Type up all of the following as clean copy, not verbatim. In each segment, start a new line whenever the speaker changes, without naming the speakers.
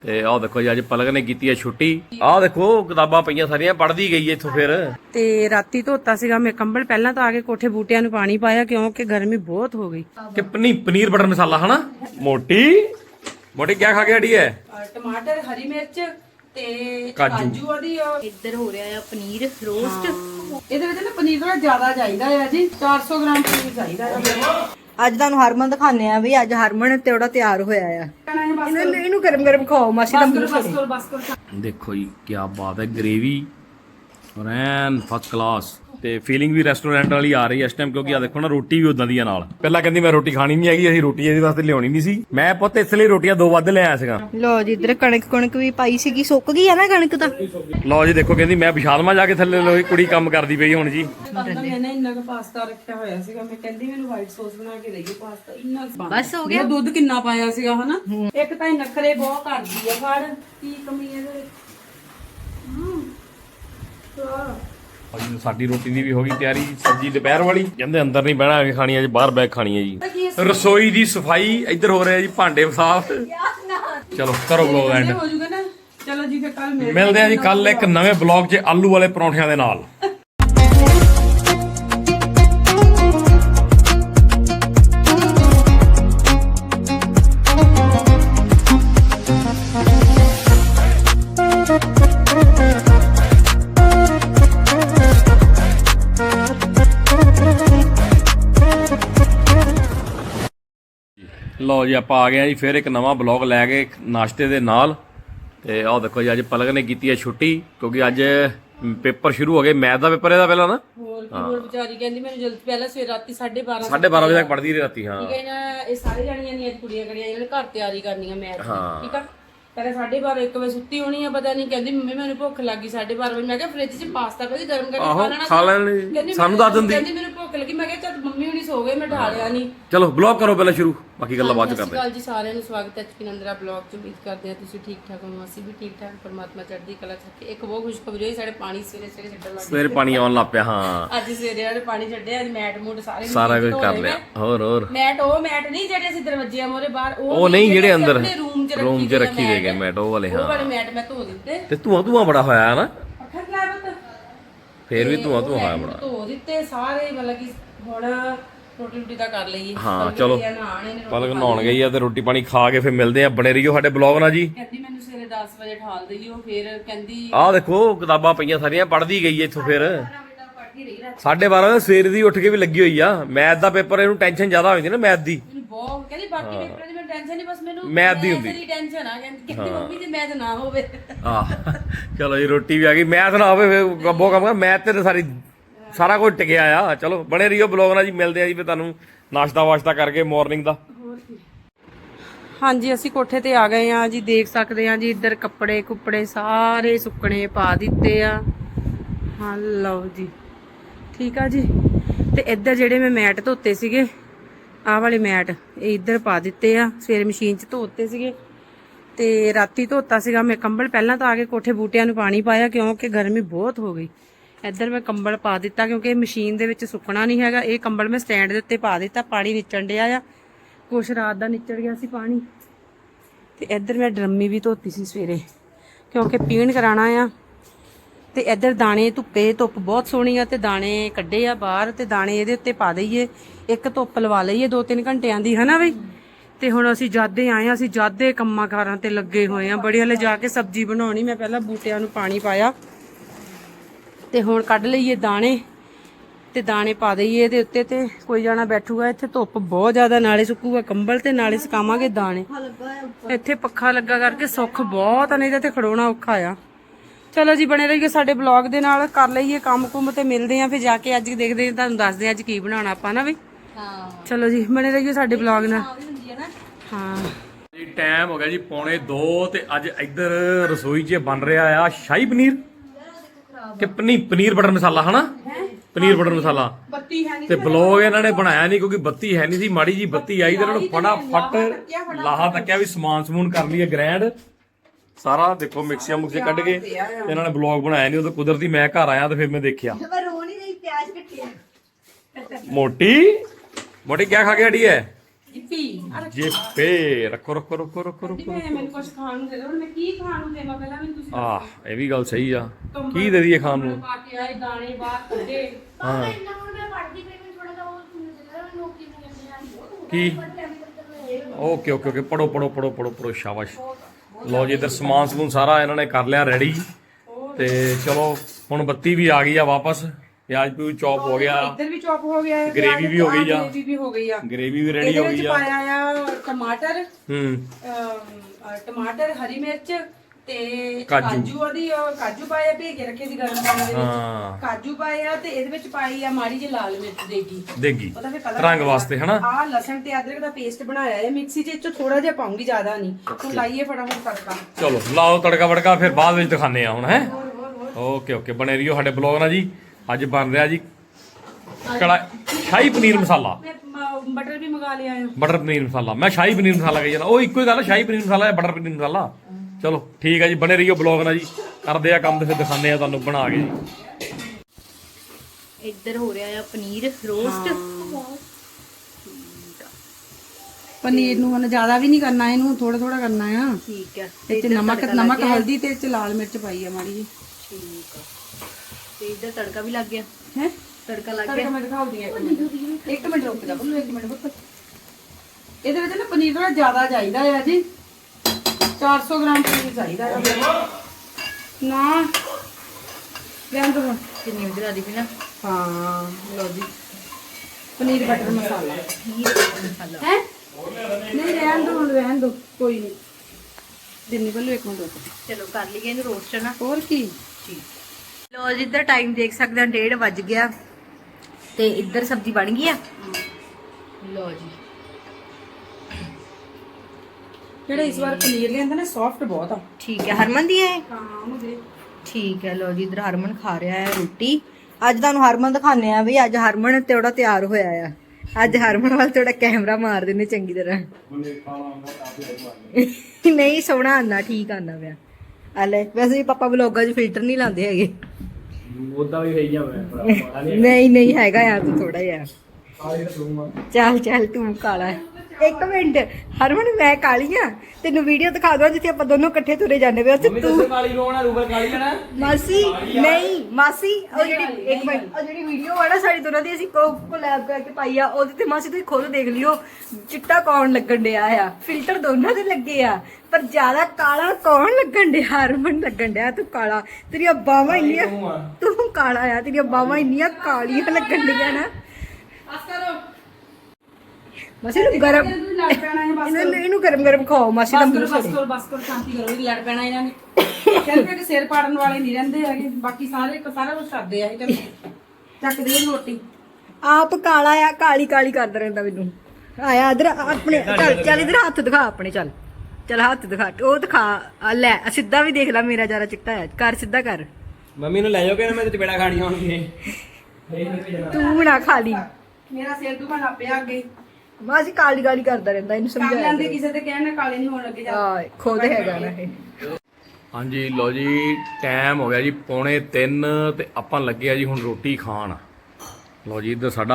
ਤੇ ਆਹ ਦੇਖੋ ਜੀ ਅੱਜ ਪਲਕ ਨੇ ਕੀਤੀ ਹੈ ਛੁੱਟੀ। ਆਹ ਦੇਖੋ ਕਿਤਾਬਾਂ ਪਈਆਂ ਸਾਰੀਆਂ ਪੜ੍ਹਦੀ ਗਈ ਹੈ ਇੱਥੋਂ। ਫਿਰ
ਤੇ ਰਾਤੀ ਧੋਤਾ ਸੀਗਾ ਮੈਂ ਕੰਬਲ। ਪਹਿਲਾਂ ਤਾਂ ਆ ਕੇ ਕੋਠੇ ਬੂਟਿਆਂ ਨੂੰ ਪਾਣੀ ਪਾਇਆ ਕਿਉਂਕਿ ਗਰਮੀ ਬਹੁਤ ਹੋ ਗਈ।
ਕਿ ਪਨੀਰ ਬਟਰ ਮਸਾਲਾ ਹਨਾ। ਮੋਟੀ ਕਿਆ ਖਾ ਕੇ ਹਟੀ ਹੈ?
ਟਮਾਟਰ, ਹਰੀ ਮਿਰਚ ਤੇ
ਕਾਜੂ
ਉਹਦੀ।
ਇੱਧਰ ਹੋ ਰਿਹਾ ਆ ਪਨੀਰ ਰੋਸਟ।
ਇਹਦੇ ਵਿੱਚ ਨਾ ਪਨੀਰ ਥੋੜਾ ਜ਼ਿਆਦਾ ਚਾਹੀਦਾ ਹੈ ਜੀ। 400 ਗ੍ਰਾਮ ਪਨੀਰ ਚਾਹੀਦਾ ਹੈ।
ਅੱਜ ਤੁਹਾਨੂੰ ਹਰਮਨ ਦਿਖਾਣੇ ਆ ਵੀ ਅੱਜ ਹਰਮਨ ਤੇ ਉਹਦਾ ਤਿਆਰ ਹੋਇਆ ਆ। ਇਹਨੂੰ ਗਰਮ ਗਰਮ ਖਾਓ ਮਾਸੀ ਦਾ ਮੂੰਹ
ਬਸ
ਦੇਖੋ ਜੀ ਕਿਆ ਬਾਤ ਹੈ। ਗ੍ਰੇਵੀ ਰੈਨ ਫਸਟ ਕਲਾਸ ਤੇ ਫੀਲਿੰਗ ਵੀ ਰੈਸਟੋਰੈਂਟ ਵਾਲੀ ਆ ਰਹੀ ਹੈ ਇਸ ਟਾਈਮ, ਕਿਉਂਕਿ ਆ ਦੇਖੋ ਨਾ ਰੋਟੀ ਵੀ ਉਦਾਂ ਦੀ ਆ ਨਾਲ। ਪਹਿਲਾਂ ਕਹਿੰਦੀ ਮੈਂ ਰੋਟੀ ਖਾਣੀ ਨਹੀਂ ਹੈਗੀ, ਅਸੀਂ ਰੋਟੀ ਇਹਦੇ ਵਾਸਤੇ ਲਿਆਉਣੀ ਨਹੀਂ ਸੀ। ਮੈਂ ਪੁੱਤ ਇਸ ਲਈ ਰੋਟੀਆਂ 2 ਵੱਧ ਲੈ ਆਇਆ ਸੀਗਾ।
ਲੋ ਜੀ ਇੱਧਰ ਕਣਕ ਵੀ ਪਾਈ ਸੀਗੀ, ਸੁੱਕ ਗਈ ਆ ਨਾ ਕਣਕ ਤਾਂ।
ਲਓ ਜੀ ਦੇਖੋ ਕਹਿੰਦੀ ਮੈਂ ਵਿਸ਼ਾਲਮਾ ਜਾ ਕੇ ਥੱਲੇ ਲੋਈ ਕੁੜੀ ਕੰਮ ਕਰਦੀ ਪਈ ਹੁਣ ਜੀ।
ਮੈंने ਇੰਨਾ ਕੁ ਪਾਸਤਾ ਰੱਖਿਆ ਹੋਇਆ ਸੀਗਾ। ਮੈਂ ਕਹਿੰਦੀ ਮੈਨੂੰ ਵਾਈਟ ਸੌਸ ਬਣਾ ਕੇ ਦੇਈਏ ਪਾਸਤਾ। ਇੰਨਾ
ਬਸ ਹੋ ਗਿਆ।
ਦੁੱਧ ਕਿੰਨਾ ਪਾਇਆ ਸੀਗਾ ਹਨਾ। ਇੱਕ ਤਾਂ ਨਖਰੇ ਬਹੁਤ ਕਰਦੀ ਆ। ਫੜ ਕੀ ਕਮੀ ਇਹਦੇ ਵਿੱਚ।
ਸਾਡੀ ਰੋਟੀ ਦੀ ਵੀ ਹੋ ਗਈ ਤਿਆਰੀ। ਸਬਜ਼ੀ ਦੁਪਹਿਰ ਵਾਲੀ ਕਹਿੰਦੇ ਅੰਦਰ ਨਹੀਂ ਬਹਿਣਾ ਕੇ ਖਾਣੀ ਹੈ ਜੀ, ਬਾਹਰ ਬੈਠ ਖਾਣੀ ਹੈ ਜੀ। ਰਸੋਈ ਦੀ ਸਫਾਈ ਇੱਧਰ ਹੋ ਰਿਹਾ ਜੀ, ਭਾਂਡੇ ਸਾਫ਼। ਚਲੋ ਕਰੋ ਬਲੌਗ ਐਂਡ।
ਹੋ ਜਾਊਗਾ ਨਾ। ਚਲੋ ਜੀ ਫਿਰ ਕੱਲ
ਮਿਲਦੇ ਆ ਜੀ ਕੱਲ ਇੱਕ ਨਵੇਂ ਬਲੌਗ 'ਚ ਆਲੂ ਵਾਲੇ ਪਰੌਂਠਿਆਂ ਦੇ ਨਾਲ। ਲਓ ਜੀ ਆਪਾਂ ਆ ਗਏ ਆ ਜੀ ਫਿਰ ਇੱਕ ਨਵਾਂ ਬਲੌਗ ਲੈ ਕੇ ਨਾਸ਼ਤੇ ਦੇ ਨਾਲ। ਤੇ ਆਹ ਦੇਖੋ ਜੀ ਅੱਜ ਪਲਕ ਨੇ ਕੀਤੀ ਹੈ ਛੁੱਟੀ, ਕਿਉਂਕਿ ਅੱਜ ਪੇਪਰ ਸ਼ੁਰੂ ਹੋ ਗਏ। ਮੈਥ ਦਾ ਪੇਪਰ ਇਹਦਾ ਪਹਿਲਾਂ ਨਾ।
ਹੋਰ ਵਿਚਾਰੀ ਕਹਿੰਦੀ ਮੈਨੂੰ ਜਲਦੀ ਪਹਿਲਾਂ ਸਵੇਰ ਰਾਤੀ 12:30
ਵਜੇ ਤੱਕ ਪੜ੍ਹਦੀ ਰਹੀ ਰਾਤੀ। ਹਾਂ
ਠੀਕ ਹੈ ਨਾ। ਇਹ ਸਾਰੇ ਜਾਣੀਆਂ ਨਹੀਂ ਅੱਜ ਕੁੜੀਆਂ ਕੜੀਆਂ ਜਿਹੜੇ ਘਰ ਤਿਆਰੀ ਕਰਨੀਆਂ ਮੈਥ ਦੀ। ਠੀਕ ਆ। ਪਹਿਲੇ 12:30 1 ਵਜੇ ਸੁੱਤੀ ਹੋਣੀ ਆ ਪਤਾ ਨਹੀਂ। ਕਹਿੰਦੀ ਮੰਮੀ ਮੈਨੂੰ ਭੁੱਖ ਲੱਗੀ 12:30 ਵਜੇ। ਮੈਂ ਕਿਹਾ ਫ੍ਰਿਜ 'ਚ ਪਾਸਤਾ ਕਦੀ ਗਰਮ ਕਰਕੇ
ਖਾ ਲੈਣੀ ਸਾਨੂੰ ਦੱਸ ਦਿੰਦੀ।
ਕਹਿੰਦੀ ਮੈਨੂੰ ਭੁੱਖ ਲੱਗੀ। ਮੈਂ ਕਿਹਾ ਚੱਲ ਮੰਮੀ ਹੁਣੀ ਸੋ ਗਏ, ਮੈਂ ਢਾਲਿਆ ਨਹੀਂ।
ਚਲੋ ਬਲੌਗ ਕਰੋ ਪਹਿਲਾਂ ਸ਼ੁਰੂ, ਬਾਕੀ ਗੱਲਾਂ ਬਾਅਦ ਚ ਕਰਦੇ ਹਾਂ।
ਜੀ ਸਾਰਿਆਂ ਨੂੰ ਸਵਾਗਤ ਹੈ ਚਿਕਨ ਅੰਦਰਾ ਬਲੌਗ 'ਚ। ਉਮੀਦ ਕਰਦੇ ਹਾਂ ਤੁਸੀਂ ਠੀਕ ਠਾਕ ਹੋ। ਅਸੀਂ ਵੀ ਠੀਕ ਠਾਕ, ਪਰਮਾਤਮਾ ਚੜ੍ਹਦੀ ਕਲਾ 'ਚ। ਇੱਕ ਬਹੁਤ ਖੁਸ਼ਖਬਰੀ ਹੋਈ, ਸਾਡੇ ਪਾਣੀ ਸਵੇਰੇ ਛੱਡਣ ਲੱਗ ਗਏ।
ਸਵੇਰੇ ਪਾਣੀ ਆਉਣ ਲੱਗ ਪਿਆ। ਹਾਂ
ਅੱਜ ਸਵੇਰੇ ਵਾਲੇ ਪਾਣੀ ਛੱਡਿਆ। ਅੱਜ ਮੈਟ ਮੂਟ
ਸਾਰਾ ਕੁਝ ਕਰ ਲਿਆ। ਹੋਰ
ਮੈਟ ਨਹੀਂ ਜਿਹੜੇ ਅਸੀਂ ਦਰਵਾਜ਼ਿਆਂ ਮੋਰੇ ਬਾਹਰ
ਉਹ ਨਹੀਂ ਜਿਹੜੇ ਅੰਦਰ
ਰੂਮ 'ਚ
ਰੱਖੀ ਦੇ ਗਏ ਮੈਟ ਉਹ ਵਾਲੇ। ਹਾਂ
ਉਹ ਵਾਲੇ ਮੈਟ ਮੈਂ ਧੋ ਦਿੱਤੇ।
ਤੇ ਧੂਆਂ ਬੜਾ ਹੋਇਆ ਹੈ ਨਾ।
ਅੱਖਾਂ ਖਰਾਬ ਹੋ।
ਫੇਰ ਵੀ ਧੂਆਂ ਹੋਇਆ ਬੜਾ।
ਧੋ ਦਿੱਤੇ ਸਾਰੇ। ਮਤਲਬ ਕਿ ਹੁਣ ਰੋਟੀ ਤਾਂ ਕਰ ਲਈਏ।
ਹਾਂ ਚਲੋ ਪਲਕ ਨਹਾਉਣ ਗਈ ਆ ਤੇ ਰੋਟੀ ਪਾਣੀ ਖਾ ਕੇ ਫਿਰ ਮਿਲਦੇ ਆ। ਬਣੇ ਰਹੀਓ ਸਾਡੇ ਬਲੌਗ ਨਾਲ ਜੀ।
ਕਹਿੰਦੀ ਮੈਨੂੰ ਸਵੇਰੇ 10 ਵਜੇ ਠਾਲ ਦਈਓ। ਫਿਰ ਕਹਿੰਦੀ
ਆਹ ਦੇਖੋ ਕਿਤਾਬਾਂ ਪਈਆਂ ਸਾਰੀਆਂ ਪੜ੍ਹਦੀ ਗਈ ਇੱਥੋਂ। ਫਿਰ 12:30 ਵਜੇ ਸਵੇਰ ਦੀ ਉੱਠ ਕੇ ਵੀ ਲੱਗੀ ਹੋਈ ਆ। ਮੈਥ ਦਾ ਪੇਪਰ ਇਹਨੂੰ ਟੈਨਸ਼ਨ ਜ਼ਿਆਦਾ ਹੋ ਜਾਂਦੀ ਨਾ ਮੈਥ ਦੀ।
ਬਹੁਤ ਕਹਿੰਦੀ ਬਾਕੀ ਪੇਪਰਾਂ ਦੀ ਮੈਨੂੰ ਟੈਨਸ਼ਨ ਨਹੀਂ, ਬਸ ਮੈਨੂੰ
ਮੈਥ ਦੀ ਹੁੰਦੀ।
ਟੈਨਸ਼ਨ ਆ। ਕਹਿੰਦੀ ਮੰਮੀ ਤੇ ਮੈਥ ਨਾ ਹੋਵੇ।
ਆਹ ਚਲੋ ਜੀ ਰੋਟੀ ਵੀ ਆ ਗਈ। ਮੈਥ ਨਾ ਹੋਵੇ ਫਿਰ ਬਹੁਤ ਕੰਮ ਕਰ। ਮੈਥ ਤੇ ਸਾਰਾ ਕੁਝ ਟਿਕਿਆ ਆ। ਚਲੋ ਬਣੇ ਰਹੀਓ ਬਲੌਗ ਨਾਲ ਜੀ। ਮਿਲਦੇ ਆ ਜੀ ਫਿਰ ਤੁਹਾਨੂੰ ਨਾਸ਼ਤਾ ਵਾਸ਼ਤਾ ਕਰਕੇ ਮਾਰਨਿੰਗ ਦਾ।
ਹਾਂਜੀ ਅਸੀਂ ਕੋਠੇ ਤੇ ਆ ਗਏ ਆ ਜੀ। ਦੇਖ ਸਕਦੇ ਆ ਜੀ ਇੱਧਰ ਕੱਪੜੇ ਕੁੱਪੜੇ ਸਾਰੇ ਸੁੱਕਣੇ ਪਾ ਦਿੱਤੇ ਆ। ਹਾਂ ਲਓ ਜੀ ਠੀਕ ਆ ਜੀ। ਤੇ ਇੱਧਰ ਜਿਹੜੇ ਮੈਂ ਮੈਟ ਧੋਤੇ ਸੀਗੇ, ਆਹ ਵਾਲੇ ਮੈਟ ਇਹ ਇੱਧਰ ਪਾ ਦਿੱਤੇ ਆ। ਸਵੇਰੇ ਮਸ਼ੀਨ 'ਚ ਧੋਤੇ ਸੀਗੇ ਤੇ ਰਾਤੀ ਧੋਤਾ ਸੀਗਾ ਮੈਂ ਕੰਬਲ। ਪਹਿਲਾਂ ਤਾਂ ਆ ਕੇ ਕੋਠੇ ਬੂਟਿਆਂ ਨੂੰ ਪਾਣੀ ਪਾਇਆ ਕਿਉਂਕਿ ਗਰਮੀ ਬਹੁਤ ਹੋ ਗਈ। ਇੱਧਰ ਮੈਂ ਕੰਬਲ ਪਾ ਦਿੱਤਾ ਕਿਉਂਕਿ ਮਸ਼ੀਨ ਦੇ ਵਿੱਚ ਸੁੱਕਣਾ ਨਹੀਂ ਹੈਗਾ। ਇਹ ਕੰਬਲ ਮੈਂ ਸਟੈਂਡ ਦੇ ਉੱਤੇ ਪਾ ਦਿੱਤਾ। ਪਾਣੀ ਨਿਚਣ ਡਿਆ ਆ, ਕੁਛ ਰਾਤ ਦਾ ਨਿਚੜ ਗਿਆ ਸੀ ਪਾਣੀ। ਤੇ ਇੱਧਰ ਮੈਂ ਡਰਮੀ ਵੀ ਧੋਤੀ ਸੀ ਸਵੇਰੇ ਕਿਉਂਕਿ ਪੀਣ ਕਰਾਣਾ ਆ। ਤੇ ਇੱਧਰ ਦਾਣੇ ਧੁੱਪ ਬਹੁਤ ਸੋਹਣੀ ਆ ਤੇ ਦਾਣੇ ਕੱਢੇ ਆ ਬਾਹਰ। ਤੇ ਦਾਣੇ ਇਹਦੇ ਉੱਤੇ ਪਾ ਦਈਏ। ਇੱਕ ਧੁੱਪ ਲਵਾ ਲਈਏ 2-3 ਘੰਟਿਆਂ ਦੀ, ਹਨਾ ਬਈ। ਤੇ ਹੁਣ ਅਸੀਂ ਜਾਦੇ ਆਏ ਆ। ਅਸੀਂ ਜਾਦੇ ਕੰਮਾਂ ਕਾਰਾਂ ਤੇ ਲੱਗੇ ਹੋਏ ਆ ਬੜੀ। ਹਲੇ ਜਾ ਕੇ ਸਬਜ਼ੀ ਬਣਾਉਣੀ। ਮੈਂ ਪਹਿਲਾਂ ਬੂਟਿਆਂ ਨੂੰ ਪਾਣੀ ਪਾਇਆ ਤੇ ਹੁਣ ਕੱਢ ਲਈਏ ਦਾਣੇ ਤੇ ਦਾਣੇ ਪਾ ਦਈਏ ਇਹਦੇ ਉੱਤੇ। ਤੇ ਕੋਈ ਜਾਣਾ ਬੈਠੂਗਾ ਇੱਥੇ। ਧੁੱਪ ਬਹੁਤ ਜ਼ਿਆਦਾ, ਨਾਲੇ ਸੁੱਕੂਗਾ ਕੰਬਲ ਤੇ ਨਾਲੇ ਸੁਕਾਵਾਂਗੇ ਦਾਣੇ। ਇੱਥੇ ਪੱਖਾ ਲੱਗਾ ਕਰਕੇ ਸੁੱਖ ਬਹੁਤ ਆ, ਨਹੀਂ ਤਾਂ ਇੱਥੇ ਖੜੋਣਾ ਔਖਾ ਆ। ਚਲੋ ਜੀ ਬਣੇ ਰਹੀਏ ਸਾਡੇ ਬਲੌਗ ਦੇ ਨਾਲ। ਕਰ ਲਈਏ ਕੰਮ ਕੁੰਮ ਤੇ ਮਿਲਦੇ ਆ ਫਿਰ ਜਾ ਕੇ। ਅੱਜ ਦੇਖਦੇ ਆ, ਤੁਹਾਨੂੰ ਦੱਸਦੇ ਆ ਅੱਜ ਕੀ ਬਣਾਉਣਾ ਆਪਾਂ ਨਾ ਵੀ। ਚਲੋ ਜੀ ਬਣੇ ਰਹੀਏ ਸਾਡੇ ਬਲੌਗ ਨਾਲ। ਹਾਂ
ਜੀ ਟਾਈਮ ਹੋ ਗਿਆ ਜੀ 1:45 ਤੇ ਅੱਜ ਇੱਧਰ ਰਸੋਈ 'ਚ ਬਣ ਰਿਹਾ ਆ ਸ਼ਾਹੀ ਪਨੀਰ ਕਿ ਪਨੀਰ ਬਟਰ ਮਸਾਲਾ ਹਨਾ। ਪਨੀਰ ਬਟਰ ਮਸਾਲਾ ਤੇ ਬਲੌਗ ਇਹਨਾਂ ਨੇ ਬਣਾਇਆ ਨਹੀਂ ਕਿਉਂਕਿ ਬੱਤੀ ਹੈ ਨਹੀਂ ਸੀ। ਮਾੜੀ ਜੀ ਬੱਤੀ ਆਈ ਤੇ ਇਹਨਾਂ ਨੂੰ ਫਟਾਫਟ ਲਾਹਾ ਤੱਕਿਆ ਵੀ ਸਮਾਨ ਸਮੂਨ ਕਰ ਲਈਏ ਗ੍ਰੈਂਡ ਸਾਰਾ। ਦੇਖੋ ਮਿਕਸੀਆਂ ਮੁਕਸੀਆਂ ਕੱਢ ਕੇ ਇਹਨਾਂ ਨੇ ਬਲੌਗ ਬਣਾਇਆ ਨਹੀਂ। ਉਦੋਂ ਕੁਦਰਤੀ ਮੈਂ ਘਰ ਆਇਆ ਤੇ ਫਿਰ ਮੈਂ ਦੇਖਿਆ। ਮੋਟੀ ਕਿਆ ਖਾ ਕੇ ਹਟੀ ਹੈ? ਜਿੱਪੇ ਰੱਖੋ ਰੱਖੋ ਰੱਖੋ ਰੱਖੋ ਰੱਖੋ
ਮੈਨੂੰ ਕੁਝ ਖਾਣ ਨੂੰ ਦੇ ਦਿਓ। ਹੁਣ ਮੈਂ ਕੀ ਖਾਣ ਨੂੰ ਦੇਵਾਂ ਪਹਿਲਾਂ ਮੈਨੂੰ ਤੁਸੀਂ
ਆਹ ਇਹ ਵੀ ਗੱਲ ਸਹੀ ਆ ਕੀ ਦੇ ਦਈਏ ਖਾਣ ਨੂੰ
ਪਾ ਕੇ ਆਏ ਦਾਣੇ ਬਾਹਰ ਕੱਢੇ।
ਹਾਂ
ਇੰਨਾ ਹੁਣ ਮੈਂ ਪੜ੍ਹਦੀ ਪਈ ਮੈਨੂੰ ਥੋੜਾ ਜਿਹਾ ਉਹ ਸੁਣਨ ਦੇ ਰਿਹਾ ਨੌਕਰੀ ਨੂੰ ਕਹਿੰਦੇ ਆ
ਕੀ ਓਕੇ ਓਕੇ ਓਕੇ ਪੜੋ ਪੜੋ ਪੜੋ ਪੜੋ ਪੜੋ ਸ਼ਾਬਾਸ਼ ਲਓ ਜੀ ਇੱਧਰ ਸਮਾਨ ਸਮੂਨ ਸਾਰਾ ਇਹਨਾਂ ਨੇ ਕਰ ਲਿਆ ਰੈਡੀ ਤੇ ਚਲੋ ਹੁਣ ਬੱਤੀ ਵੀ ਆ ਗਈ ਆ ਵਾਪਸ ਪਿਆਜ਼ ਪਿਊਜ਼ ਚੌਪ ਹੋ ਗਿਆ
ਇੱਧਰ ਵੀ ਚੌਪ ਹੋ ਗਿਆ ਹੈ
ਗ੍ਰੇਵੀ ਵੀ ਹੋ ਗਈ ਆ
ਗ੍ਰੇਵੀ ਵੀ ਹੋ ਗਈ ਆ
ਗ੍ਰੇਵੀ ਵੀ ਰੈਡੀ
ਇਹਦੇ
ਹੋ
ਵਿੱਚ
ਗਈ ਆ
ਪਾਇਆ ਆ ਟਮਾਟਰ
ਹੂੰ
ਹਰੀ ਮਿਰਚ ਤੇ
ਕਾਜੂ।
ਕਾਜੂ ਪਾਏ ਆ ਭੇਜ ਕੇ ਰੱਖੇ ਸੀ ਗਰਮ ਪਾਣੀ ਦੇ ਵਿੱਚ
ਹਾਂ
ਕਾਜੂ ਪਾਏ ਆ ਤੇ ਇਹਦੇ ਵਿੱਚ ਪਾਈ ਆ ਮਾੜੀ ਜਿਹੀ ਲਾਲ ਮਿਰਚ ਦੇਗੀ
ਦੇਗੀ
ਉਹਦਾ ਫਿਰ ਕਲਰ
ਰੰਗ ਵਾਸਤੇ ਹਨਾ
ਆ ਲਸਣ ਤੇ ਅਦਰਕ ਦਾ ਪੇਸਟ ਬਣਾਇਆ ਹੈ ਮਿਕਸੀ 'ਚ ਇਹ 'ਚੋਂ ਥੋੜਾ ਜਿਹਾ ਪਾਉਂਗੀ ਜ਼ਿਆਦਾ ਨਹੀਂ ਹੁਣ ਲਾਈਏ ਫਟਾਫਟ ਤੜਕਾ
ਚਲੋ ਲਾਓ ਤੜਕਾ ਵੜਕਾ ਫਿਰ ਬਾਅਦ ਵਿੱਚ ਦਿਖਾਣੇ ਆ ਹੁਣ ਹੈ ਓਕੇ ਓਕੇ ਬਣੇ ਰਹੀਓ ਸਾਡੇ ਬਲੌਗ ਨਾਲ ਜੀ ਅੱਜ ਬਣ ਰਿਹਾ ਜੀ ਕੜਾ ਸ਼ਾਹੀ ਪਨੀਰ ਮਸਾਲਾ
ਮੈਂ ਬਟਰ ਵੀ ਮੰਗਾ ਲਿਆ ਆ
ਬਟਰ ਪਨੀਰ ਮਸਾਲਾ ਮੈਂ ਸ਼ਾਹੀ ਪਨੀਰ ਮਸਾਲਾ ਕਹੀ ਜਾਂਦਾ ਉਹ ਇੱਕੋ ਹੀ ਗੱਲ ਆ ਸ਼ਾਹੀ ਪਨੀਰ ਮਸਾਲਾ ਜਾਂ ਬਟਰ ਪਨੀਰ ਮਸਾਲਾ ਚਲੋ ਠੀਕ ਆ ਜੀ ਬਣੇ ਰਹੀਓ ਬਲੌਗ ਨਾਲ ਜੀ ਕਰਦੇ ਆ ਕੰਮ ਤੇ ਫਿਰ ਦਿਖਾਉਂਦੇ ਆ ਤੁਹਾਨੂੰ ਬਣਾ ਕੇ ਜੀ
ਇੱਧਰ ਹੋ ਰਿਹਾ ਆ ਪਨੀਰ ਰੋਸਟ
ਪਨੀਰ ਨੂੰ ਹੁਣ ਜ਼ਿਆਦਾ ਵੀ ਨਹੀਂ ਕਰਨਾ ਇਹਨੂੰ ਥੋੜਾ ਥੋੜਾ ਕਰਨਾ ਆ
ਠੀਕ ਹੈ
ਤੇ ਨਮਕ ਹਲਦੀ ਤੇ ਲਾਲ ਮਿਰਚ ਪਾਈ ਆ ਮਾੜੀ ਜੀ
ਠੀਕ ਆ ਤੇ ਇੱਧਰ ਤੜਕਾ ਵੀ ਲੱਗ ਗਿਆ
ਹੈ
ਤੜਕਾ ਲੱਗ
ਤੜਕਾ ਮੈਂ ਦਿਖਾਉਂਦੀ ਆ ਇੱਕ ਮਿੰਟ ਰੁਕ ਜਾ ਬੋਲੋ ਇੱਕ ਮਿੰਟ ਬਸ ਇਹਦੇ ਵਿੱਚ ਨਾ ਪਨੀਰ ਥੋੜਾ ਜ਼ਿਆਦਾ ਚਾਹੀਦਾ ਹੈ ਜੀ 400 ਗ੍ਰਾਮ ਪਨੀਰ ਚਾਹੀਦਾ ਹੈ ਨਾ ਲੈਣ ਦੋ
ਕਿੰਨੀ ਉਧਰ ਦੀ ਨਾ
ਹਾਂ ਲੋ ਜੀ ਪਨੀਰ ਬਟਰ ਮਸਾਲਾ ਹੈ ਨਹੀਂ ਰਹਿਣ ਦੋ ਕੋਈ ਨਹੀਂ ਦਿੰਨੀ ਬੱਲੂ ਇੱਕ ਮਿੰਟ ਰੁਕ
ਚਲੋ ਕਰ ਲਈਏ ਇਹਨੂੰ ਰੋਸਟ ਨਾ
ਹੋਰ ਕੀ
ਲੋ ਜੀ ਇੱਧਰ ਟਾਈਮ ਦੇਖ ਸਕਦੇ ਹਾਂ 1:30 ਵੱਜ ਗਿਆ ਤੇ ਇੱਧਰ ਸਬਜ਼ੀ ਬਣ ਗਈ ਆ ਲੋ ਜੀ
ਜਿਹੜਾ ਇਸ ਵਾਰ ਪਨੀਰ ਲਿਆਂਦਾ ਨਾ ਸੌਫਟ ਬਹੁਤ ਆ
ਠੀਕ ਹੈ ਹਰਮਨ ਦੀ ਹੈ ਇਹ?
ਹਾਂ ਮੁਝੇ
ਠੀਕ ਹੈ ਲੋ ਜੀ ਇੱਧਰ ਹਰਮਨ ਖਾ ਰਿਹਾ ਹੈ ਰੋਟੀ ਅੱਜ ਤੁਹਾਨੂੰ ਹਰਮਨ ਦਿਖਾਣੇ ਆ ਵੀ ਅੱਜ ਹਰਮਨ ਤੇ ਉਹਦਾ ਤਿਆਰ ਹੋਇਆ ਆ ਅੱਜ ਹਰਮਨ ਵੱਲ ਥੋੜਾ ਕੈਮਰਾ ਮਾਰ ਦਿੰਦੇ ਚੰਗੀ ਤਰ੍ਹਾਂ ਨਹੀਂ ਸੋਹਣਾ ਆਂਦਾ ਠੀਕ ਆਂਦਾ ਪਿਆ ਹਲੇ ਵੈਸੇ ਵੀ ਪਾਪਾ ਵਲੋਗਾਂ 'ਚ ਫਿਲਟਰ ਨਹੀਂ ਲਾਉਂਦੇ ਹੈਗੇ
ਉਦਾਂ ਵੀ ਸਹੀ ਆ
ਨਹੀਂ ਹੈਗਾ ਯਾਰ ਤੂੰ ਥੋੜਾ ਜਿਹਾ ਚੱਲ ਤੂੰ ਕਾਲਾ ਹੈ। ਇੱਕ ਮਿੰਟ ਹਰਮਨ ਮੈਂ ਕਾਲੀ ਆ ਤੈਨੂੰ ਵੀਡੀਓ ਦਿਖਾ ਦਵਾਂ ਜਿੱਥੇ ਆਪਾਂ ਦੋਨੋਂ ਇਕੱਠੇ ਤੁਰੇ ਜਾਂਦੇ ਵੇ ਉੱਥੇ ਤੂੰ
ਕਾਲੀ ਰੋਣਾ ਰੂਬਲ ਕਾਲੀ ਨਾ
ਮਾਸੀ ਨਹੀਂ ਮਾਸੀ ਉਹ ਜਿਹੜੀ ਇੱਕ ਮਿੰਟ ਉਹ ਜਿਹੜੀ ਵੀਡੀਓ ਆ ਨਾ ਸਾਡੀ ਦੋਨਾਂ ਦੀ ਅਸੀਂ ਕੋਲੈਬ ਕਰਕੇ ਪਾਈ ਆ ਉਹਦੇ ਤੇ ਮਾਸੀ ਤੁਸੀਂ ਖੁਦ ਦੇਖ ਲਿਓ ਚਿੱਟਾ ਕੌਣ ਲੱਗਣ ਡਿਆ ਆ ਫਿਲਟਰ ਦੋਨਾਂ ਦੇ ਲੱਗੇ ਆ ਪਰ ਜ਼ਿਆਦਾ ਕਾਲਾ ਕੌਣ ਲੱਗਣ ਡਿਆ ਹਰਮਨ ਲੱਗਣ ਡਿਆ ਤੂੰ ਕਾਲਾ ਤੇਰੀਆਂ ਬਾਹਾਂ ਇੰਨੀਆਂ ਤੂੰ ਕਾਲਾ ਆ ਤੇਰੀਆਂ ਬਾਹਾਂ ਇੰਨੀਆਂ ਕਾਲੀਆਂ ਲੱਗਣ ਡੀਆਂ ਨਾ ਮਾਸੀ ਨੂੰ ਗਰਮ
ਲੜ ਪੈਣਾ ਹੈ ਬਸ
ਇਹਨੂੰ ਗਰਮ ਖਾਓ ਮਾਸੀ ਦਾ ਮੂੰਹ
ਬਸ ਕਰੋ ਸ਼ਾਂਤੀ ਕਰੋ ਲੜ ਪੈਣਾ ਇਹਨਾਂ ਨੇ ਕਹਿੰਦੇ ਕਿ ਸਿਰ ਪਾੜਨ ਵਾਲੇ ਨਹੀਂ ਰਹਿੰਦੇ ਹੈਗੇ ਬਾਕੀ ਸਾਰਾ ਕੁਝ ਕਰਦੇ ਆ ਇਹ ਕਹਿੰਦੇ ਚੱਕਦੇ ਆ ਰੋਟੀ
ਆਪ ਕਾਲਾ ਆ ਕਾਲੀ ਕਰਦਾ ਰਹਿੰਦਾ ਮੈਨੂੰ ਆਇਆ ਇਧਰ ਆਪਣੇ ਚੱਲ ਇਧਰ ਹੱਥ ਦਿਖਾ ਆਪਣੇ ਚੱਲ ਹੱਥ ਦਿਖਾ ਉਹ ਦਿਖਾ ਆ ਲੈ ਸਿੱਧਾ ਵੀ ਦੇਖ ਲੈ ਮੇਰਾ ਜ਼ਿਆਦਾ ਚਿੱਟਾ ਹੈ ਕਰ ਸਿੱਧਾ ਕਰ
ਮੰਮੀ ਨੂੰ ਲੈ ਜਾਓ ਕਿ ਮੈਂ ਤੇ ਚਪੇੜਾ ਖਾਣੀ ਹੋਣਗੇ
ਤੂੰ ਨਾ ਖਾਲੀ
ਮੇਰਾ ਸਿਰ ਦੁਖਣ ਲੱਗ ਪਿਆ ਅੱਗੇ
ਮਾਸੀ ਕਾਲੀ ਕਰਦਾ ਰਹਿੰਦਾ ਇਹਨੂੰ
ਕਰ
ਸਮਝਾਇਆ
ਲੈਂਦੇ ਕਿਸੇ ਤੇ ਕਹਿਣ ਨਾਲ ਕਾਲੇ ਨਹੀਂ ਹੋਣ ਲੱਗੇ ਜਾ
ਆ ਖੁਦ ਹੈਗਾ ਨਾ ਇਹ
ਹਾਂਜੀ ਲਓ ਜੀ ਟਾਈਮ ਹੋ ਗਿਆ ਜੀ 2:45 ਤੇ ਆਪਾਂ ਲੱਗੇ ਆ ਜੀ ਹੁਣ ਰੋਟੀ ਖਾਣ ਲਓ ਜੀ ਇੱਧਰ ਸਾਡਾ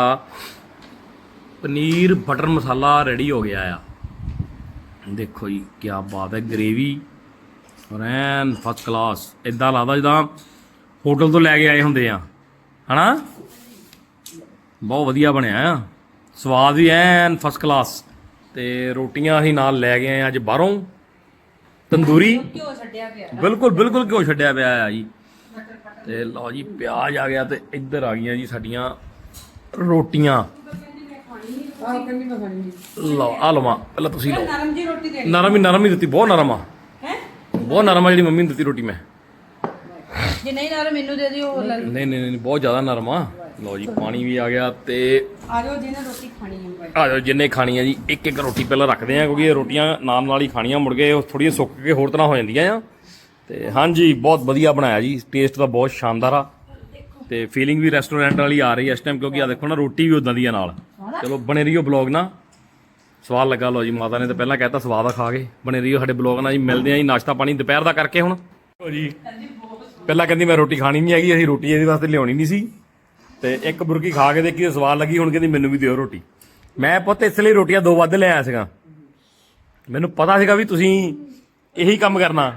ਪਨੀਰ ਬਟਰ ਮਸਾਲਾ ਰੈਡੀ ਹੋ ਗਿਆ ਆ ਦੇਖੋ ਜੀ ਕੀ ਬਾਤ ਹੈ ਗ੍ਰੇਵੀ ਐਨ ਫਸਟ ਕਲਾਸ ਇਦਾਂ ਲੱਗਦਾ ਜਿੱਦਾਂ ਹੋਟਲ ਤੋਂ ਲੈ ਕੇ ਆਏ ਹੁੰਦੇ ਆ ਹਨਾ ਬਹੁਤ ਵਧੀਆ ਬਣਿਆ ਆ ਸਵਾਦ ਵੀ ਐਨ ਫਸਟ ਕਲਾਸ ਤੇ ਰੋਟੀਆਂ ਅਸੀਂ ਨਾਲ ਲੈ ਗਏ ਆ ਅੱਜ ਬਾਹਰੋਂ ਤੰਦੂਰੀ
ਘਿਓ ਛੱਡਿਆ ਪਿਆ
ਬਿਲਕੁਲ ਘਿਓ ਛੱਡਿਆ ਪਿਆ ਆ ਜੀ ਤੇ ਲਓ ਜੀ ਪਿਆਜ਼ ਆ ਗਿਆ ਤੇ ਇੱਧਰ ਆ ਗਈਆਂ ਜੀ ਸਾਡੀਆਂ ਰੋਟੀਆਂ
ਆਹ ਕੰਨੀ ਮੈਂ ਖਾਣੀ
ਲਓ ਆ ਲਵਾਂ ਪਹਿਲਾਂ ਤੁਸੀਂ ਲਓ
ਨਰਮ ਜੀ ਰੋਟੀ ਦੇਣੀ
ਨਰਮ ਹੀ ਦਿੱਤੀ ਬਹੁਤ ਨਰਮ ਆ
ਹੈ
ਬਹੁਤ ਨਰਮ ਆ ਜਿਹੜੀ ਮੰਮੀ ਨੇ ਦਿੱਤੀ ਰੋਟੀ ਮੈਂ
ਜੇ ਨਹੀਂ ਨਰਮ ਮੈਨੂੰ ਦੇ ਦਿਓ
ਨਹੀਂ ਬਹੁਤ ਜ਼ਿਆਦਾ ਨਰਮ ਆ ਲਓ ਜੀ ਪਾਣੀ ਵੀ ਆ ਗਿਆ ਤੇ
ਆ ਜਾਓ ਜਿਹਨੇ ਰੋਟੀ ਖਾਣੀ ਹੈ
ਆ ਜਾਓ ਜਿੰਨੇ ਖਾਣੀ ਆ ਜੀ ਇੱਕ ਰੋਟੀ ਪਹਿਲਾਂ ਰੱਖਦੇ ਆ ਕਿਉਂਕਿ ਇਹ ਰੋਟੀਆਂ ਨਾਲ ਹੀ ਖਾਣੀਆਂ ਮੁੜ ਕੇ ਥੋੜੀਆਂ ਸੁੱਕ ਕੇ ਹੋਰ ਤਰ੍ਹਾਂ ਹੋ ਜਾਂਦੀਆਂ ਆ ਤੇ ਹਾਂਜੀ ਬਹੁਤ ਵਧੀਆ ਬਣਾਇਆ ਜੀ ਟੇਸਟ ਤਾਂ ਬਹੁਤ ਸ਼ਾਨਦਾਰ ਆ ਤੇ ਫੀਲਿੰਗ ਵੀ ਰੈਸਟੋਰੈਂਟ ਵਾਲੀ ਆ ਰਹੀ ਹੈ ਇਸ ਟਾਈਮ ਕਿਉਂਕਿ ਆ ਦੇਖੋ ਨਾ ਰੋਟੀ ਵੀ ਉਦਾਂ ਦੀ ਆ ਨਾਲ ਚਲੋ ਬਣੇ ਰਹੀਓ ਬਲੌਗ ਨਾਲ ਸਵਾਦ ਲੱਗਾ ਲਓ ਜੀ ਮਾਤਾ ਨੇ ਤਾਂ ਪਹਿਲਾਂ ਕਹਿਤਾ ਸਵਾਦ ਆ ਖਾ ਕੇ ਬਣੇ ਰਹੀਓ ਸਾਡੇ ਬਲੌਗ ਨਾਲ ਜੀ ਮਿਲਦੇ ਆ ਜੀ ਨਾਸ਼ਤਾ ਪਾਣੀ ਦੁਪਹਿਰ ਦਾ ਕਰਕੇ ਹੁਣ ਜੀ ਪਹਿਲਾਂ ਕਹਿੰਦੀ ਮੈਂ ਰੋਟੀ ਖਾਣੀ ਨਹੀਂ ਹੈਗੀ ਅਸੀਂ ਰੋਟੀ ਇਹਦੇ ਵਾਸਤੇ ਲਿਆਉਣੀ ਨਹੀਂ ਸੀ ਤੇ ਇੱਕ ਬੁਰਕੀ ਖਾ ਕੇ ਦੇਖੀ ਸਵਾਦ ਲੱਗੀ ਹੁਣ ਕਹਿੰਦੀ ਮੈਨੂੰ ਵੀ ਦਿਓ ਰੋਟੀ ਮੈਂ ਪੁੱਤ ਇਸ ਲਈ ਰੋਟੀਆਂ 2 ਵੱਧ ਲੈ ਆਇਆ ਸੀਗਾ, ਮੈਨੂੰ ਪਤਾ ਸੀਗਾ ਵੀ ਤੁਸੀਂ ਇਹੀ ਕੰਮ ਕਰਨਾ।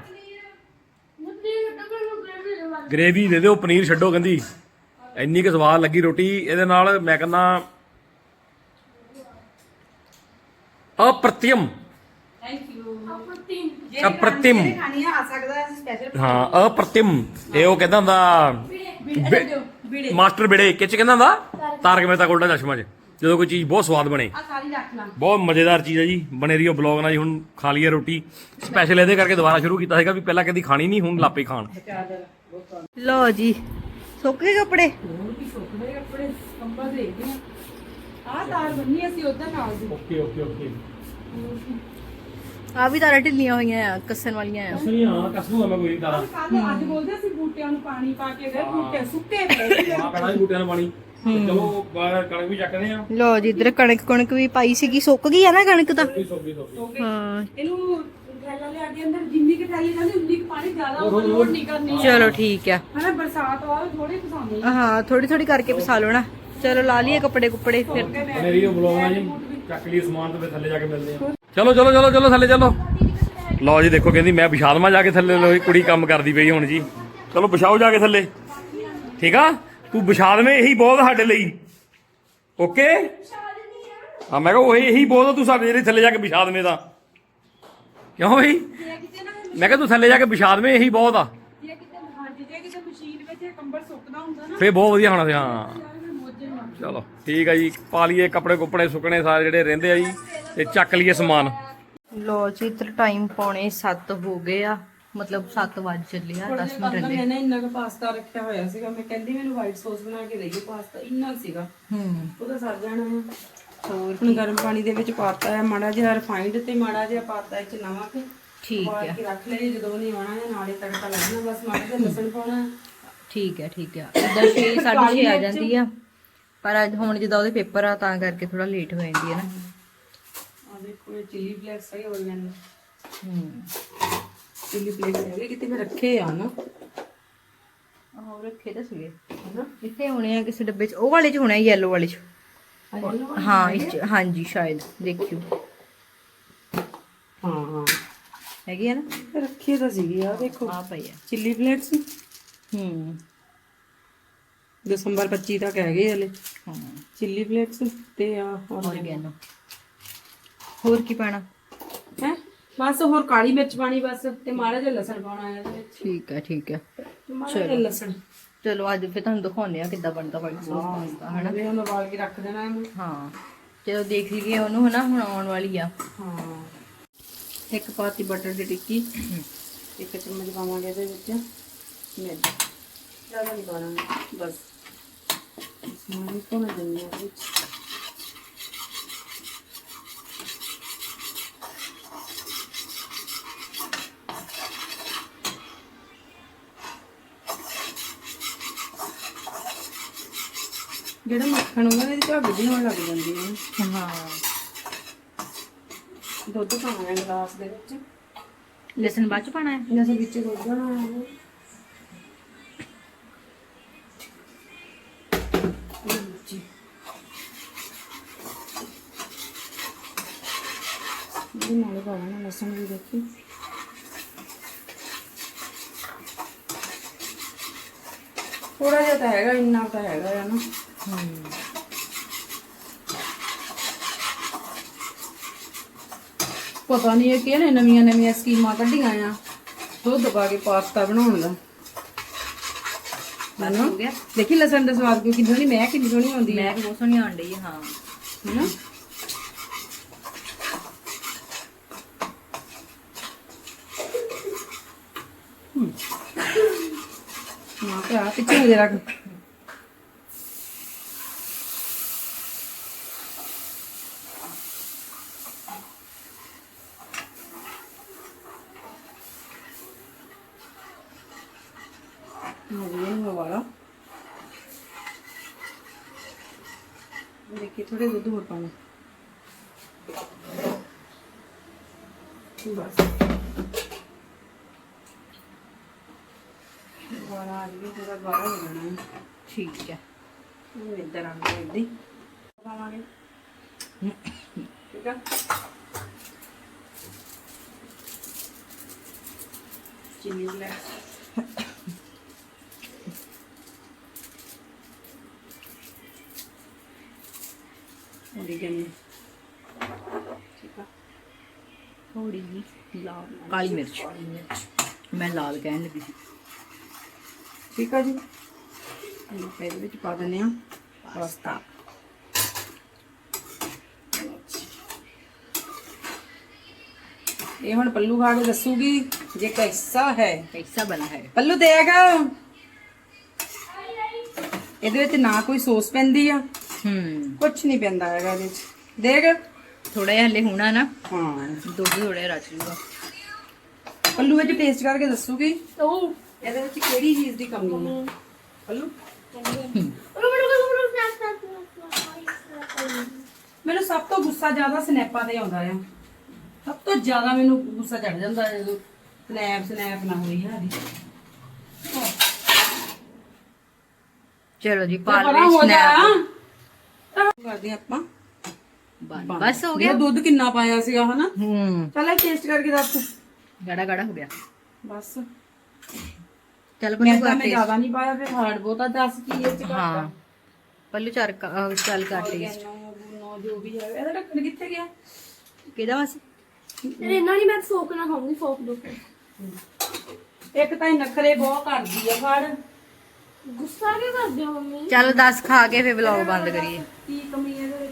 ਗ੍ਰੇਵੀ ਦੇ ਦਿਓ, ਪਨੀਰ ਛੱਡੋ, ਕਹਿੰਦੀ ਇੰਨੀ ਕੁ ਸਵਾਦ ਲੱਗੀ ਰੋਟੀ ਇਹਦੇ ਨਾਲ, ਮੈਂ ਕਹਿੰਦਾ ਅਪ੍ਰਤਿਮ ਅਪ੍ਰਤਿਮ
ਖਾਣੀ ਆ ਸਕਦਾ ਸਪੈਸ਼ਲ।
ਹਾਂ ਅਪ੍ਰਤਿਮ, ਇਹ ਉਹ ਕਹਿੰਦਾ ਹੁੰਦਾ ਮਾਸਟਰ ਬਿੜੇ ਕਿਚ ਕਹਿੰਦਾ ਹੁੰਦਾ ਤਾਰਕ ਮਹਿਤਾ ਕਾ ਉਲਟਾ ਚਸ਼ਮਾ 'ਚ, ਜਦੋਂ ਕੋਈ ਚੀਜ਼ ਬਹੁਤ ਸਵਾਦ ਬਣੇ।
ਆ ਸਾਰੀ ਰੱਖ ਲਾ।
ਬਹੁਤ ਮਜ਼ੇਦਾਰ ਚੀਜ਼ ਹੈ ਜੀ, ਬਣੇ ਰਹੀਓ ਬਲੌਗ ਨਾਲ ਜੀ। ਹੁਣ ਖਾ ਲਈਏ ਰੋਟੀ, ਸਪੈਸ਼ਲ ਇਹਦੇ ਕਰਕੇ ਦੁਬਾਰਾ ਸ਼ੁਰੂ ਕੀਤਾ ਸੀਗਾ ਵੀ ਪਹਿਲਾਂ ਕਦੀ ਖਾਣੀ ਨਹੀਂ, ਹੁਣ ਲਾਪੇ ਖਾਣ।
ਲਓ ਜੀ ਸੁੱਕ ਗਏ ਕੱਪੜੇ।
ਸੁੱਕਣੇ ਕੱਪੜੇ ਕੰਬਲ ਦੇਖਦੇ ਆ ਤਾਰ ਬੰਨੀ ਅਸੀਂ ਉਧਰ ਨਾਲ ਦੀ।
Okay okay okay.
ਆ ਵੀ ਤਾਰਾਂ ਢਿੱਲੀਆਂ ਹੋਈਆਂ ਆ, ਕੱਸਣ ਵਾਲੀਆਂ ਆ।
ਨਹੀਂ ਹਾਂ ਕਸੂਗਾ ਮੈਂ ਕੋਈ ਦਾਣਾ
ਕੱਲ ਅੱਜ ਬੋਲਦੇ ਅਸੀਂ ਬੂਟਿਆਂ ਨੂੰ ਪਾਣੀ ਪਾ ਕੇ ਗਏ, ਬੂਟੇ ਸੁੱਕੇ ਪਏ।
ਆ ਪੈਣਾ ਬੂਟਿਆਂ ਨੂੰ ਪਾਣੀ। ਚਲੋ ਕਣਕ ਵੀ ਚੱਕਦੇ ਆ।
ਲਓ ਜੀ ਇੱਧਰ ਕਣਕ ਵੀ ਪਾਈ ਸੀਗੀ, ਸੁੱਕ ਗਈ ਆ ਨਾ ਕਣਕ ਤਾਂ।
ਸੋਗੀ
ਹਾਂ
ਇਹਨੂੰ ਥੈਲਾ ਲਿਆ ਕੇ ਅੰਦਰ ਜਿੰਨੀ ਕਿ ਥੈਲੀ ਜਾਂਦੀ ਉਨੀ ਕੁ ਪਾਣੀ ਜ਼ਿਆਦਾ ਓਵਰਲੋਡ ਨਹੀਂ ਕਰਨੀ।
ਚਲੋ ਠੀਕ ਆ।
ਹਨਾ ਬਰਸਾਤ ਆਵੇ ਥੋੜੇ ਪਸਾਉਂਦੇ
ਹਾਂ ਥੋੜੀ ਥੋੜੀ ਕਰਕੇ ਪਸਾ ਲਓ ਨਾ। ਚਲੋ ਲਾ ਲਈਏ ਕੱਪੜੇ ਕੁੱਪੜੇ ਫਿਰ।
ਬਣੇ ਰਹੀਓ ਬਲੌਗ ਨਾਲ ਜੀ, ਚੱਕ ਲਈ ਸਮਾਨ ਤੇ ਫਿਰ ਥੱਲੇ ਜਾ ਕੇ ਮਿਲਦੇ ਆ। ਚਲੋ ਚਲੋ ਚਲੋ ਚਲੋ ਥੱਲੇ ਚਲੋ। ਲਓ ਜੀ ਦੇਖੋ ਕਹਿੰਦੀ ਮੈਂ ਵਿਛਾ ਦੇਵਾਂ ਜਾ ਕੇ ਥੱਲੇ। ਲੋ ਕੁੜੀ ਕੰਮ ਕਰਦੀ ਪਈ ਹੁਣ ਜੀ। ਚਲੋ ਵਿਛਾਓ ਜਾ ਕੇ ਥੱਲੇ, ਠੀਕ ਆ। ਤੂੰ ਵਿਛਾ ਦੇਵੇਂ, ਇਹੀ ਬਹੁਤ ਸਾਡੇ ਲਈ। ਓਕੇ ਹਾਂ ਮੈਂ ਕਿਹਾ ਉਹ ਇਹੀ ਬਹੁਤ ਆ, ਤੂੰ ਸਾਡੇ ਜਿਹੜੇ ਥੱਲੇ ਜਾ ਕੇ ਵਿਛਾ ਦੇਵੇਂ ਤਾਂ। ਕਿਉਂ ਬਈ? ਮੈਂ ਕਿਹਾ ਤੂੰ ਥੱਲੇ ਜਾ ਕੇ ਵਿਛਾ ਦੇਵੇਂ, ਇਹੀ ਬਹੁਤ ਆ।
ਜੇ ਕਿਤੇ ਮਸ਼ੀਨ ਵਿੱਚ ਇਹ ਕੰਬਲ ਸੁੱਕਦਾ ਹੁੰਦਾ ਨਾ
ਫੇਰ ਬਹੁਤ ਵਧੀਆ ਹੋਣਾ ਸੀ। ਹਾਂ ਚਲੋ ਠੀਕ ਆ ਜੀ, ਪਾ ਲਈਏ ਕੱਪੜੇ ਕੁੱਪੜੇ ਸੁੱਕਣੇ ਸਾਰੇ ਜਿਹੜੇ ਰਹਿੰਦੇ ਆ ਜੀ, ਤੇ ਚੱਕ ਲਈਏ ਸਮਾਨ।
ਲੋ ਜੀ ਇੱਧਰ ਟਾਈਮ ਪੌਣੇ 7 ਹੋ ਗਏ ਆ, ਮਤਲਬ 7 ਵੱਜ ਚੱਲੇ ਆ, 10 ਮਿੰਟ ਰਹਿੰਦੇ।
ਮੈਂ ਨਾ ਇੰਨਾ ਕੁ ਪਾਸਤਾ ਰੱਖਿਆ ਹੋਇਆ ਸੀਗਾ, ਮੈਂ ਕਹਿੰਦੀ ਮੈਨੂੰ ਵਾਈਟ ਸੌਸ ਬਣਾ ਕੇ ਦੇਈਓ ਪਾਸਤਾ, ਇੰਨਾ ਸੀਗਾ ਉਹਦਾ ਸਰ ਜਾਣਾ ਹੈ। ਹੋਰ ਹੁਣ ਗਰਮ ਪਾਣੀ ਦੇ ਵਿੱਚ ਪਾਤਾ ਹੈ ਮਾੜਾ ਜਿਹਾ ਰਿਫਾਈਂਡ ਤੇ ਮਾੜਾ ਜਿਹਾ ਪਾਤਾ ਇਹ ਚ ਨਮਕ।
ਠੀਕ
ਹੈ ਰੱਖ ਲਈ, ਜਦੋਂ ਨਹੀਂ ਆਉਣਾ ਹੈ ਨਾਲੇ ਤੜਕਾ ਲੱਗਣਾ, ਬਸ ਮਾੜਾ ਜਿਹਾ ਲਸਣ ਪਾਉਣਾ।
ਠੀਕ ਹੈ ਇੱਦਾਂ 6 6:30 ਆ ਜਾਂਦੀ ਆ, ਪਰ ਅੱਜ ਹੁਣ ਜਿੱਦਾਂ ਉਹਦੇ ਪੇਪਰ ਆ ਤਾਂ ਕਰਕੇ ਥੋੜਾ ਲੇਟ ਹੋ ਜਾਂਦੀ ਹੈ ਨਾ।
ਆ ਦੇਖੋ ਇਹ ਚਿੱਲੀ ਫਲੇਕਸ ਹੈ ਔਰਗੈਨਿਕ। ਚਿੱਲੀ ਫਲੇਕਸ ਹੈਗੇ ਕਿਤੇ ਮੈਂ ਰੱਖੇ ਆ ਨਾ।
ਆਹ ਰੱਖੇ ਤਾਂ ਸੀਗੇ ਹਨਾ, ਇੱਥੇ ਹੋਣੇ ਆ ਕਿਸੇ ਡੱਬੇ 'ਚ, ਉਹ ਵਾਲੇ 'ਚ ਹੋਣਾ ਯੈਲੋ ਵਾਲੇ 'ਚ। ਹਾਂ ਇਸ 'ਚ ਹਾਂਜੀ ਸ਼ਾਇਦ, ਦੇਖਿਓ।
ਹਾਂ
ਹੈਗੀ ਆ ਨਾ,
ਰੱਖੇ ਤਾਂ ਸੀਗੀ ਆ ਦੇਖੋ
ਆ ਪਈ ਆ।
ਚਿੱਲੀ ਫਲੇਕਸ ਦਸੰਬਰ 25 ਤੱਕ ਹੈਗੇ ਹਲੇ।
ਹਾਂ
ਚਿੱਲੀ ਫਲੇਕਸ ਤੇ ਆ
ਔਰਗੈਨੋ। ਹੋਰ ਕੀ ਪਾਣਾ
ਹੈ? ਬਸ ਹੋਰ ਕਾਲੀ ਮਿਰਚ ਪਾਣੀ ਬਸ, ਤੇ ਮਾੜਾ ਜਿਹਾ ਲਸਣ ਪਾਉਣਾ ਹੈ ਇਹਦੇ ਵਿੱਚ।
ਠੀਕ ਹੈ
ਮਾੜਾ ਜਿਹਾ ਲਸਣ।
ਚਲੋ ਅੱਜ ਫਿਰ ਤੁਹਾਨੂੰ ਦਿਖਾਉਂਦੇ ਆ ਕਿੱਦਾਂ ਬਣਦਾ ਵਾਈਟ ਸੌਸ ਪਾਸਤਾ ਹਨਾ।
ਇਹ ਹੁਣ ਉਬਾਲ ਕੇ ਰੱਖ ਦੇਣਾ ਇਹਨੂੰ।
ਹਾਂ ਚਲੋ ਦੇਖ ਲਈਏ ਉਹਨੂੰ ਹਨਾ, ਹੁਣ ਆਉਣ ਵਾਲੀ ਆ।
ਹਾਂ ਇੱਕ ਪਾਤੀ ਬਟਰ ਦੀ ਟਿੱਕੀ, ਇੱਕ ਚਮਚ ਪਾਵਾਂਗੇ ਇਹਦੇ ਵਿੱਚ ਮੈਦਾ, ਜ਼ਿਆਦਾ ਨਹੀਂ ਪਾਉਣਾ ਬਸ। ਸਮਾਨ ਤੋਂ ਮੈਂ ਦਿੰਦੀ ਹਾਂ ਵਿੱਚ। ਜਿਹੜਾ ਮੱਖਣ ਹੁੰਦਾ ਇਹਦੀ ਝੱਗ ਜਿਹੀ ਹੋਣ ਲੱਗ ਜਾਂਦੀ ਹੈ।
ਹਾਂ
ਦੁੱਧ ਪਾਉਣਾ ਹੈ ਗਲਾਸ ਦੇ ਵਿੱਚ।
ਲਸਣ ਬਾਅਦ ਚ ਪਾਣਾ ਹੈ।
ਜੈਸੇ ਵਿੱਚ ਦੁੱਧ ਨਾ ਆਵੇ। ਇਹ ਨਾਲ ਪਾਉਣਾ ਲਸਣ ਵੀ ਦੇਖੀ। ਥੋੜਾ ਜਿਹਾ ਤਾਂ ਹੈਗਾ, ਇੰਨਾ ਤਾਂ ਹੈਗਾ ਹੈ ਨਾ। ਪਤਾ ਨਹੀਂ ਇਹ ਕਿਹਨੇ ਨਵੀਆਂ ਸਕੀਮਾਂ ਕੱਢੀਆਂ ਆ ਦੁੱਧ ਪਾ ਕੇ ਪਾਸਤਾ ਬਣਾਉਣ ਦਾ।
ਬਸ ਹੋ ਗਿਆ।
ਦੇਖੀ ਲਸਣ ਦਾ ਸਵਾਦ ਕਿੰਨੀ ਸੋਹਣੀ, ਮੈਂ ਕਿੰਨੀ ਸੋਹਣੀ ਆਉਂਦੀ ਹੈ।
ਮੈਂ ਬਹੁਤ ਸੋਹਣੀ ਆਣ ਡਈ ਹੈ। ਹਾਂ
ਹੈਨਾ ਹਾਂ ਭਰਾ ਪਿੱਛੇ ਹੋ ਜਾ ਰੱਖ। वाला देखिए थोड़े दूध और पाना बस। गाढ़ा आ गया, थोड़ा गाढ़ा हो जाना है।
ठीक है
इधर आना इधर पावांगे ਠੀਕ ਆ ਚੀਨੀ ਲੈ ओरिगेनो ठीक है
ਥੋੜੀ ਜੀ ਲਾਲ ਕਾਲੀ ਮਿਰਚ ਮੈਂ ਲਾਲ ਕਹਿਣ ਲੱਗੀ ਸੀ
ठीक है जी ਇਹਨੂੰ ਫਿਰ ਵਿੱਚ ਪਾ ਦਿੰਦੇ ਆ ਪਾਸਤਾ ਇਹ ਹੁਣ ਪੱਲੂ ਖਾ ਕੇ ਦੱਸੂਗੀ ਜੇ ਕੈਸਾ ਹੈ
कैसा बना है
ਪੱਲੂ ਦੇਖ ਇਹਦੇ ਵਿੱਚ ਨਾ ਕੋਈ ਸੌਸ ਪੈਂਦੀ ਆ ਕੁਝ ਨਹੀਂ ਪੈਂਦਾ ਹੈਗਾ ਇਹਦੇ ਵਿੱਚ ਦੇਖ
थोड़ा जिहा हले होना ना
ਹਾਂ
दुध थोड़ा जिहा रच लूगा
ਪੱਲੂ ਵਿੱਚ ਟੇਸਟ ਕਰਕੇ ਦੱਸੂਗੀ
ਉਹ
ਇਹਦੇ ਵਿੱਚ ਕਿਹੜੀ ਚੀਜ਼ ਦੀ ਕਮੀ ਹੈ ਪੱਲੂ ਮੈਨੂੰ ਸਭ ਤੋਂ ਗੁੱਸਾ ਜ਼ਿਆਦਾ ਸਨੈਪਾਂ ਤੇ ਆਉਂਦਾ ਆ ਸਭ ਤੋਂ ਜ਼ਿਆਦਾ ਮੈਨੂੰ ਗੁੱਸਾ ਚੜ ਜਾਂਦਾ ਹੈ ਜਦੋਂ ਸਨੈਪ ਨਾ ਹੋਈ ਸਾਡੀ
चलो जी
ਪਰਾਂ
पाल
ਹੋ ਜਾ
स्नैप
ਕਰਦੇ ਆਪਾਂ
बस हो
ਇਹ
गया
ਦੁੱਧ ਕਿੰਨਾ ਪਾਇਆ ਸੀਗਾ ਹਨਾ ਚੱਲ ਟੇਸਟ ਕਰਕੇ ਦੱਸ ਤੂੰ
गाढ़ा गाढ़ा हो गया
ਬਸ
चल
ਮੈਂ
पल्लू
ਤਾਂ
का
ਮੈਂ ਜ਼ਿਆਦਾ ਨਹੀਂ ਪਾਇਆ ਫਿਰ ਹਾਰਡ ਬਹੁਤਾ ਦੱਸ ਕੀ ਇਹ ਚ
हाँ पल्लू चल कर टेस्ट
ਨੋ ਜੋ ਵੀ ਹੈ ਇਹਦਾ ਢੱਕਣ ਕਿੱਥੇ ਗਿਆ
किदा बस
ਰੇਨਾ ਨਹੀਂ ਮੈਂ ਫੋਕ ਨਾ ਖਾਉਂਗੀ ਫੋਕ ਦੋ
ਇੱਕ ਤਾਂ ਇਹ ਨਖਰੇ ਬਹੁਤ ਕਰਦੀ ਆ ਫੜ
ਗੁੱਸਾ ਕਿਉਂ ਕਰਦੇ ਹੋ ਮੰਮੀ
चल 10 खा के फिर व्लॉग बंद करिए
ਕੀ ਕਮੀ ਹੈ ਇਹਦੇ ਵਿੱਚ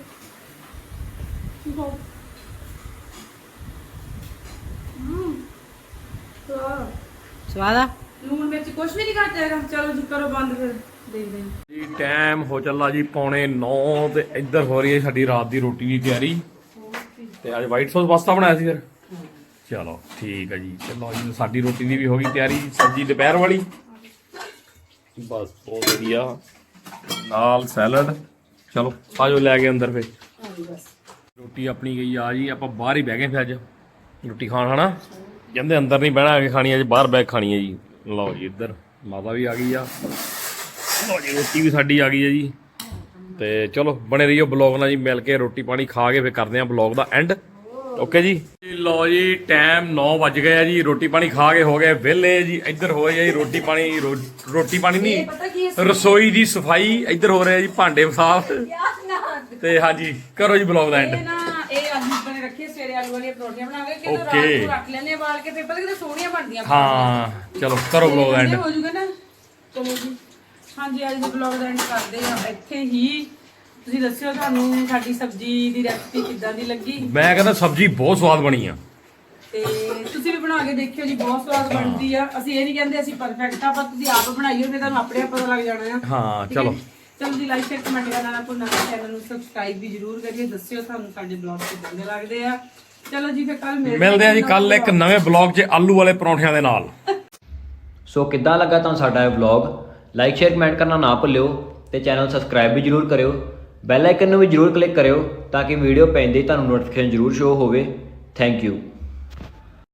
स्वाद आ
ਲੂਣ ਵਿੱਚ ਕੁਝ ਵੀ ਨਹੀਂ ਘੱਟ ਹੈਗਾ ਚਲੋ ਜੀ ਕਰੋ ਬੰਦ ਫਿਰ ਦੇਖਦੇ ਹਾਂ
ਜੀ ਟਾਈਮ ਹੋ ਚੱਲਾ ਜੀ 8:45 ਤੇ ਇੱਧਰ ਹੋ ਰਹੀ ਹੈ ਸਾਡੀ ਰਾਤ ਦੀ ਰੋਟੀ ਦੀ ਤਿਆਰੀ ਤੇ ਅੱਜ ਵਾਈਟ ਸੌਸ ਪਾਸਤਾ ਬਣਾਇਆ ਸੀ ਫਿਰ ਚਲੋ ਠੀਕ ਹੈ ਜੀ ਚਲੋ ਜੀ ਸਾਡੀ ਰੋਟੀ ਦੀ ਵੀ ਹੋ ਗਈ ਤਿਆਰੀ ਸਬਜ਼ੀ ਦੁਪਹਿਰ ਵਾਲੀ ਬਸ ਬਹੁਤ ਵਧੀਆ ਨਾਲ ਸੈਲਡ ਚਲੋ ਆਜੋ ਲੈ ਕੇ ਅੰਦਰ ਫਿਰ ਰੋਟੀ ਆਪਣੀ ਗਈ ਆ ਜੀ ਆਪਾਂ ਬਾਹਰ ਹੀ ਬਹਿ ਗਏ ਫਿਰ ਅੱਜ ਰੋਟੀ ਖਾਣ ਹਨਾ ਕਹਿੰਦੇ ਅੰਦਰ ਨਹੀਂ ਬਹਿਣਾ ਕੇ ਖਾਣੀ ਅੱਜ ਬਾਹਰ ਬਹਿ ਕੇ ਖਾਣੀ ਹੈ ਜੀ ਲਓ ਜੀ ਇੱਧਰ ਮਾਤਾ ਵੀ ਆ ਗਈ ਆ ਲਓ ਜੀ ਰੋਟੀ ਵੀ ਸਾਡੀ ਆ ਗਈ ਹੈ ਜੀ ਤੇ ਚਲੋ ਬਣੇ ਰਹੀਓ ਬਲੌਗ ਨਾਲ ਜੀ ਮਿਲ ਕੇ ਰੋਟੀ ਪਾਣੀ ਖਾ ਕੇ ਫਿਰ ਕਰਦੇ ਆਂ ਬਲੌਗ ਦਾ ਐਂਡ ਓਕੇ ਜੀ ਲਓ ਜੀ ਟਾਈਮ 9 ਵੱਜ ਗਏ ਆ ਜੀ ਰੋਟੀ ਪਾਣੀ ਖਾ ਕੇ ਹੋ ਗਏ ਵਿਹਲੇ ਜੀ ਇੱਧਰ ਹੋ ਜੀ ਰੋਟੀ ਪਾਣੀ ਨਹੀਂ ਰਸੋਈ ਦੀ ਸਫਾਈ ਇੱਧਰ ਹੋ ਰਿਹਾ ਜੀ ਭਾਂਡੇ ਸਾਫ਼ ਤੇ ਹਾਂਜੀ ਕਰੋ ਜੀ ਬਲੌਗ ਦਾ ਐਂਡ
ਇਹ ਨਾ ਇਹ ਆਲੂ ਬਣੇ ਰੱਖੇ ਸਵੇਰੇ ਆਲੂ ਵਾਲੀਆਂ ਪਰੌਂਠੀਆਂ ਬਣਾ ਕੇ ਕਿਤੇ ਰਾਤ
Okay.
ਨੂੰ ਰੱਖ ਲੈਣੇ ਵਾਲ ਕੇ ਫਿਰ ਪਤਾ ਕਿਤੇ ਸੋਹਣੀਆਂ ਬਣਦੀਆਂ
ਹਾਂ ਚਲੋ ਕਰੋ ਬਲੌਗ ਦਾ ਐਂਡ
ਹੋ ਜੂਗਾ ਨਾ ਚਲੋ ਜੀ ਹਾਂਜੀ ਅੱਜ ਦੇ ਬਲੌਗ ਦਾ ਐਂਡ ਕਰਦੇ ਆ ਇੱਥੇ ਹੀ ਤੁਸੀਂ ਦੱਸਿਓ ਤੁਹਾਨੂੰ ਸਾਡੀ ਸਬਜ਼ੀ ਦੀ ਰੈਸਪੀ ਕਿੱਦਾਂ ਦੀ ਲੱਗੀ
ਮੈਂ ਕਹਿੰਦਾ ਸਬਜ਼ੀ ਬਹੁਤ ਸਵਾਦ ਬਣੀ ਆ
ਤੇ ਤੁਸੀਂ ਵੀ ਬਣਾ ਕੇ ਦੇਖਿਓ ਜੀ ਬਹੁਤ ਸਵਾਦ ਬਣਦੀ ਆ ਅਸੀਂ ਇਹ ਨਹੀਂ ਕਹਿੰਦੇ ਅਸੀਂ ਪਰਫੈਕਟ ਆ ਪਰ ਤੁਸੀਂ ਆਪ ਬਣਾਈਓ ਫਿਰ ਤੁਹਾਨੂੰ ਆਪਣੇ ਆਪ ਪਤਾ ਲੱਗ ਜਾਣਾ ਆ
ਹਾਂ
ਠੀਕ ਹੈ
ਚਲੋ
ਜੀ? ਚਲੋ ਜੀ ਲਾਈਕ ਸ਼ੇਅਰ ਕਮੈਂਟ ਕਰਨਾ ਨਾ ਭੁੱਲਣਾ ਚੈਨਲ ਨੂੰ ਸਬਸਕ੍ਰਾਈਬ ਵੀ ਜਰੂਰ ਕਰਿਓ ਦੱਸਿਓ ਤੁਹਾਨੂੰ ਸਾਡੇ ਬਲੌਗ ਕਿੱਦਾਂ ਦੇ ਲੱਗਦੇ ਆ ਚਲੋ ਜੀ ਫਿਰ ਕੱਲ
ਮਿਲਦੇ ਆ ਜੀ ਕੱਲ ਇੱਕ ਨਵੇਂ ਬਲੌਗ 'ਚ ਆਲੂ ਵਾਲੇ ਪਰੌਂਠਿਆਂ ਦੇ ਨਾਲ
ਸੋ ਕਿੱਦਾਂ ਲੱਗਾ ਤੁਹਾਨੂੰ ਸਾਡਾ ਇਹ ਵਲੌਗ ਲਾਈਕ ਸ਼ੇਅਰ ਕਮੈਂਟ ਕਰਨਾ ਨਾ ਭੁੱਲਿਓ ਤੇ ਚੈਨਲ ਸਬਸਕ੍ਰਾਈਬ ਵੀ ਜਰੂਰ ਕਰਿਓ ਬੈਲ ਆਈਕਨ ਨੂੰ ਵੀ ਜਰੂਰ ਕਲਿੱਕ ਕਰਿਓ ਤਾਂ ਕਿ ਵੀਡੀਓ ਪੈਂਦੇ ਹੀ ਤੁਹਾਨੂੰ ਨੋਟੀਫਿਕੇਸ਼ਨ ਜਰੂਰ ਸ਼ੋ ਹੋਵੇ ਥੈਂਕ ਯੂ